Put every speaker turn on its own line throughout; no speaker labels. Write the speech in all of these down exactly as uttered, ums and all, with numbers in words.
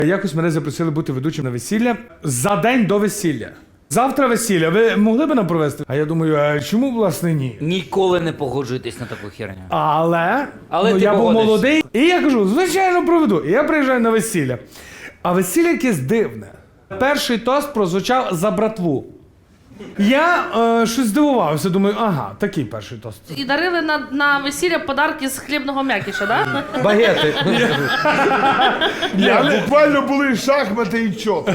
Якось мене запросили бути ведучим на весілля за день до весілля. Завтра весілля, ви могли б нам провести? А я думаю, а чому, власне, ні?
Ніколи не погоджуйтесь на таку херню.
Але,
Але
ну,
ти
я був
погодишся.
молодий, і я кажу, звичайно, проведу. І я приїжджаю на весілля. А весілля якесь дивне. Перший тост прозвучав за братву. Я е, щось здивувався, думаю, ага, такий перший тост.
І дарили на, на весілля подарки з хлібного м'якіша, да?
Багети.
Я буквально були шахмати і чот.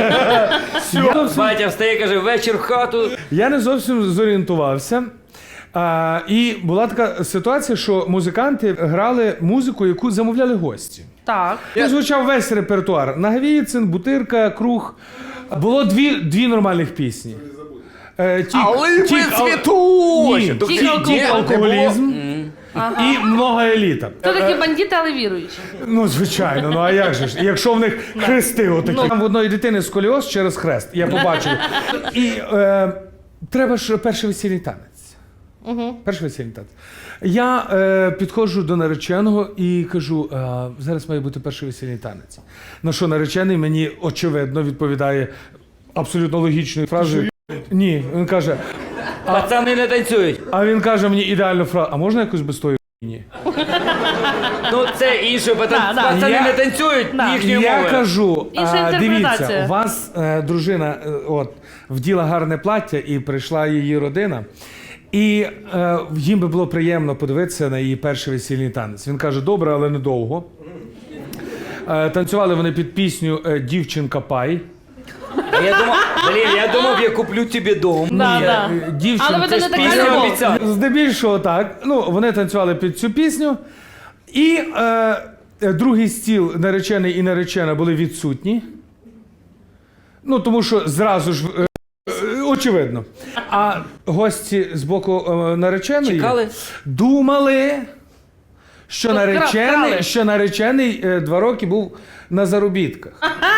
Батя встає, каже, вечір в хату.
Я не зовсім зорієнтувався. А, і була така ситуація, що музиканти грали музику, яку замовляли гості.
Так.
Я звучав весь репертуар. Нагвіцин, Бутирка, Круг. Було дві, дві нормальних пісні. Е, тік,
Але ви
тік, ал-
цвітуть!
Ні,
До
тік,
кінця
тік,
не
алкоголізм і много еліта.
Хто такі бандити, але віруючі?
Ну, звичайно, ну а як же ж? Якщо в них хрести отакі. Там в одної дитини сколіоз через хрест, я побачив. І е, треба ж перший весільний танець.
Угу.
Перший весільний танець. Я е, підходжу до нареченого і кажу, е, зараз має бути перший весільний танець. На що наречений мені, очевидно, відповідає абсолютно логічною фразою. Ні, він каже,
Пацани не танцюють.
а він каже мені ідеальну фразу, а можна якось без тої ні?
Ну це інше,
Да, да.
пацани
Я-
не танцюють
Да.
їхньою
Я
мовою.
кажу,
Інша
а,
інтерпретація.
дивіться, у вас е, дружина е, от, вділа гарне плаття і прийшла її родина. І е, їм би було приємно подивитися на її перший весільний танець. Він каже, добре, але недовго. Е, танцювали вони під пісню е, «Дівчинка Пай».
А я думав, блін, я думав, я куплю тобі дом.
Да,
Ні,
да.
е, дівчинка.
Але ви
Це
не
ж
така
пісня
любов.
обіцяла.
Здебільшого так. Ну, вони танцювали під цю пісню. І е, е, другий стіл, наречений і наречена, були відсутні. Ну, тому що зразу ж, е, е, очевидно. А гості з боку е, нареченої
Чекали?
думали, що
Тут кра-
наречений,
крали.
що наречений е, два роки був на заробітках.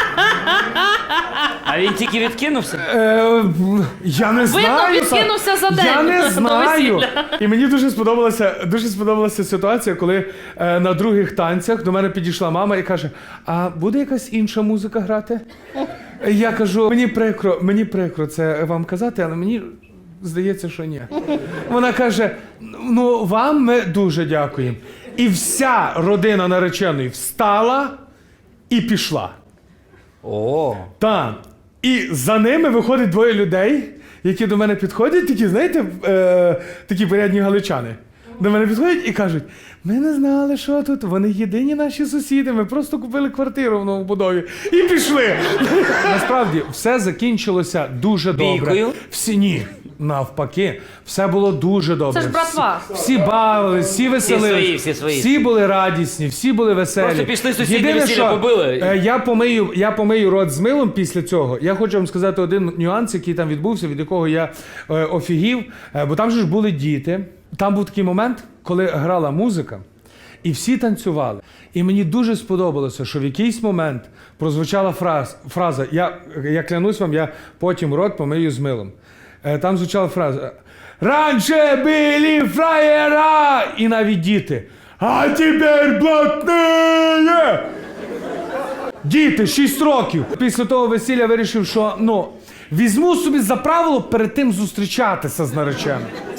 А він тільки відкинувся?
Е, я не знаю.
відкинувся за день
Я не
до
знаю.
весілля.
І мені дуже сподобалася, дуже сподобалася ситуація, коли е, на других танцях до мене підійшла мама і каже: а буде якась інша музика грати? Я кажу, мені прикро, мені прикро це вам казати, але мені здається, що ні. Вона каже: ну вам ми дуже дякуємо. І вся родина нареченої встала і пішла.
О.
Так. І за ними виходить двоє людей, які до мене підходять, такі, знаєте, е, такі порядні галичани. До мене підходять і кажуть: ми не знали, що тут, вони єдині наші сусіди, ми просто купили квартиру в новобудові і пішли. Насправді, все закінчилося дуже добре.
Бійкою?
Всі ні. Навпаки, все було дуже добре.
Це ж братва.
Всі, всі бавились, всі веселились.
свої, всі свої.
Всі були радісні, всі були веселі.
Просто пішли сусідні
Єдине,
весілля
що,
побили.
е, Я помию, я помию рот з милом після цього. Я хочу вам сказати один нюанс, який там відбувся, від якого я е, офігів. Е, бо там же ж були діти. Там був такий момент, коли грала музика, і всі танцювали. І мені дуже сподобалося, що в якийсь момент прозвучала фраз, фраза, я, я клянусь вам, я потім рот помию з милом. Е, там звучала фраза: «Раньше были фраєра!» І навіть діти: «А тепер блатные!» Діти, шість років. Після того весілля вирішив, що, ну, візьму собі за правило перед тим зустрічатися з нареченим.